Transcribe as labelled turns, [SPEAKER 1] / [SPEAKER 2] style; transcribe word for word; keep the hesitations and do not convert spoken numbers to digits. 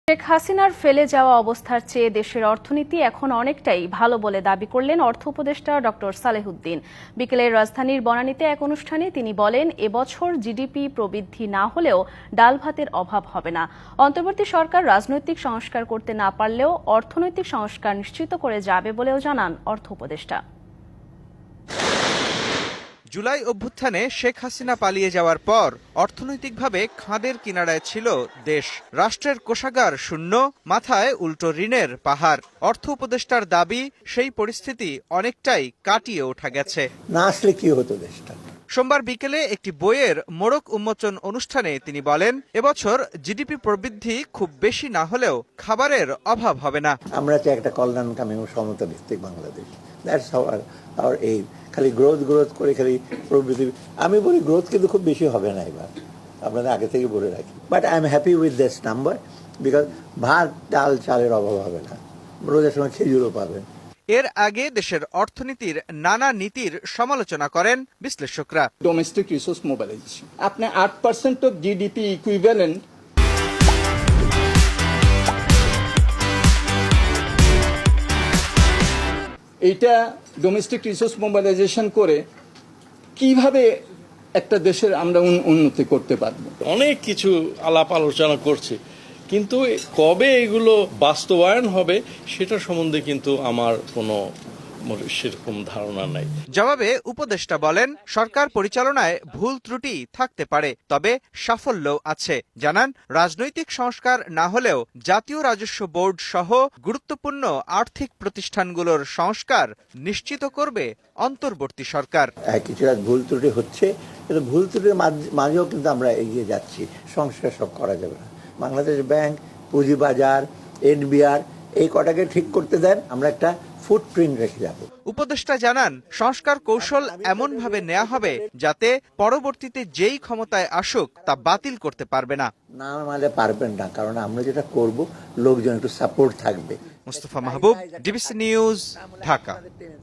[SPEAKER 1] শেখ হাসিনার ফেলে যাওয়া অবস্থার চেয়ে দেশের অর্থনীতি এখন অনেকটাই ভালো বলে দাবি করলেন অর্থ উপদেষ্টা ডক্টর সালেহুদ্দিন। বিকেলে রাজধানীর বনানীতে এক অনুষ্ঠানে তিনি বলেন, এবছর জিডিপি প্রবৃদ্ধি না হলেও ডাল ভাতের অভাব হবে না। অন্তর্বর্তী সরকার রাজনৈতিক সংস্কার করতে না পারলেও অর্থনৈতিক সংস্কার নিশ্চিত করে যাবে বলেও জানান অর্থ উপদেষ্টা।
[SPEAKER 2] জুলাই অভ্যুত্থানে শেখ হাসিনা পালিয়ে যাওয়ার পর অর্থনৈতিকভাবে খাদের কিনারায় ছিল দেশ। রাষ্ট্রের কোষাগার শূন্য, মাথায় উল্টো ঋণের পাহাড়। অর্থ উপদেষ্টার দাবি, সেই পরিস্থিতি অনেকটাই কাটিয়ে ওঠা গেছে।
[SPEAKER 3] না আসলে কি হতো দেশটা?
[SPEAKER 2] সোমবার বিকেলে একটি বইয়ের মোড়ক উন্মোচন অনুষ্ঠানে তিনি বলেন, এবছর জিডিপি প্রবৃদ্ধি খুব বেশি না হলেও খাবারের অভাব হবে না।
[SPEAKER 3] আমরা চাই একটা কল্যাণকামী ও সমতা ভিত্তিক Bangladesh. That's our our aim. খালি গ্রোথ গ্রোথ করে খালি প্রবৃদ্ধি, আমি বলি গ্রোথ কিন্তু খুব বেশি হবে না এবার, আপনাদের আগে থেকে বলে রাখি। But I am happy with this number, because ভাত ডাল চালের অভাব হবে না, রোজার সময় খেজুরও পাবেন।
[SPEAKER 2] এর আগে দেশের অর্থনীতির নানা নীতির সমালোচনা করেন বিশ্লেষকরা।
[SPEAKER 4] ডোমেস্টিক রিসোর্স মোবিলাইজেশন, আপনি আট পার্সেন্ট অফ জিডিপি ইকুইভ্যালেন্ট এইটা ডোমেস্টিক রিসোর্স মোবিলাইজেশন করে কিভাবে একটা দেশের আমরা উন্নতি করতে পারবো।
[SPEAKER 5] অনেক কিছু আলাপ আলোচনা করছি, কিন্তু কবে এগুলো বাস্তবায়ন হবে সেটা সম্বন্ধে কিন্তু আমার কোনো সেরকম ধারণা নাই।
[SPEAKER 2] জবাবে উপদেষ্টা বলেন, সরকার পরিচালনায় ভুল ত্রুটি থাকতে পারে, তবে সাফল্যও আছে। জানান, রাজনৈতিক সংস্কার না হলেও জাতীয় রাজস্ব বোর্ড সহ গুরুত্বপূর্ণ আর্থিক প্রতিষ্ঠানগুলোর সংস্কার নিশ্চিত করবে অন্তর্বর্তী সরকার।
[SPEAKER 3] কিছুটা ভুল ত্রুটি হচ্ছে, কিন্তু ভুল ত্রুটির মাঝেও কিন্তু আমরা এগিয়ে যাচ্ছি। সংস্কার সব করা যাবে না। বাংলাদেশ ব্যাংক, পুঁজিবাজার, এনবিআর এই কটাকে ঠিক করতে দেন, আমরা একটা ফুটপ্রিন্ট রেখে যাব।
[SPEAKER 2] উপদেষ্টা জানান, সংস্কার কৌশল এমন ভাবে নেওয়া হবে যাতে পরবর্তীতে যেই ক্ষমতায় আসুক তা বাতিল করতে পারবে না।
[SPEAKER 3] না মানে পারবেন না, কারণ আমরা যেটা করব লোকজন একটু সাপোর্ট থাকবে।
[SPEAKER 2] Mustafa Mahbub, DBC news, Dhaka.